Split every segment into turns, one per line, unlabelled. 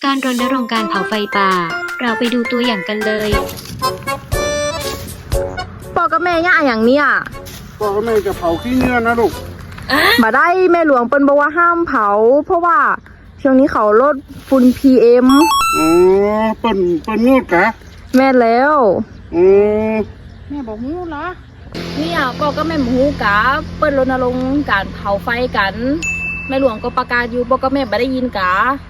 การรณรงค์การเผาไฟป่า เราไปดูตัวอย่างกันเลย
พ่อกับแม่ย่าอย่างเนี้ย
พ่อกับแม่จะเผาขี้เนื้อนะลูก
มาได้แม่หลวงเปิ้นบอกว่าห้ามเผา เพราะว่าช่วงนี้เขาลดฝุ่น PM
อ๋อเปิ้นงูดกะ
แม่แล้ว
อ๋อ
แม่บอกฮู้เหรอเนี่ยพ่อก็แม่หมูกะเปิ้นรณรงค์การเผาไฟกันแม่หลวงก็ประกาศอยู่พ่อก็แม่บ่ได้ยินกะ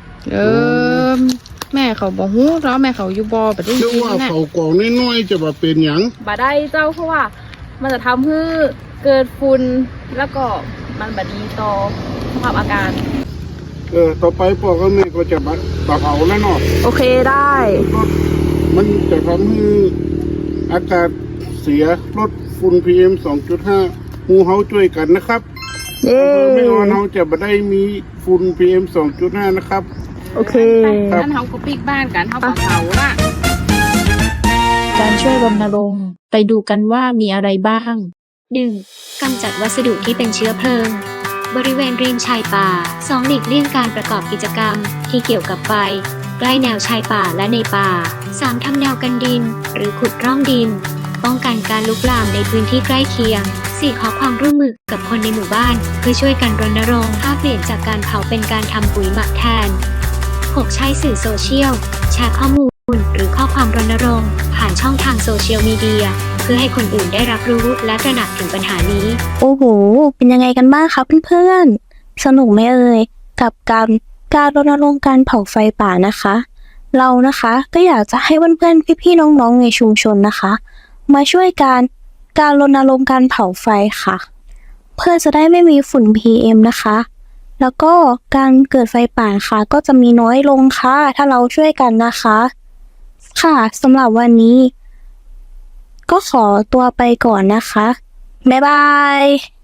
แม่เขาบอกฮู้แล้วแม่เขาอยู่บ่บ่ได้
เชื่อ
ยิน
ว่า
น่ะ
เผากล่องน้อยๆจะมาเป็นหยัง
บ่ได้เจ้าเพราะว่ามันจะทำให้เกิดฝุ่นแล้วก็มันบ่ดีต่อสภาพอากาศ
ต่อไปพ่อกับแม่ก็จะมาเผาแล้วเนาะ
โอเคได้
มันจะทำให้อากาศเสียลดฝุ่น PM 2.5หมู่เฮาช่วยกันนะครับ
เย้
ไม่งั้นเฮาจะบ่ได้มีฝุ่น PM 2.5นะครับ
โอเค
ครับ
งั้นเฮาก็ปิกบ้านกันเฮาก็เผาล่ะ
การช่วยรณรงค์ไปดูกันว่ามีอะไรบ้าง
1. กำจัดวัสดุที่เป็นเชื้อเพลิง บริเวณริมชายป่า 2. หลีกเลี่ยงการประกอบกิจกรรม ที่เกี่ยวกับไฟ ใกล้แนวชายป่าและในป่า 3. ทำแนวกันดิน หรือขุดร่องดิน ป้องกันการลุกลามในพื้นที่ใกล้เคียง 4. ขอความร่วมมือกับคนในหมู่บ้าน เพื่อช่วยกันรณรงค์เปลี่ยนจากการเผาเป็นการทำปุ๋ยหมักแทน 6. ใช้สื่อโซเชียล แชร์ข้อมูล หรือข้อความรณรงค์ผ่านช่องทางโซเชียลมีเดีย เพื่อให้คนอื่นได้รับรู้และตระหนักถึงปัญหานี้
โอ้โห เป็นยังไงกันบ้างคะเพื่อนๆ สนุกไหมเอ่ย กับการรณรงค์การเผาไฟป่านะคะ เรานะคะก็อยากจะให้เพื่อนๆ พี่ๆ น้องๆ ในชุมชนนะคะ มาช่วยการรณรงค์การเผาไฟค่ะ เพื่อจะได้ไม่มีฝุ่น PM นะคะ แล้วก็การเกิดไฟป่าค่ะก็จะมีน้อยลงค่ะ ถ้าเราช่วยกันนะคะ ค่ะสำหรับวันนี้ ก็ขอตัวไปก่อนนะคะ บ๊ายบาย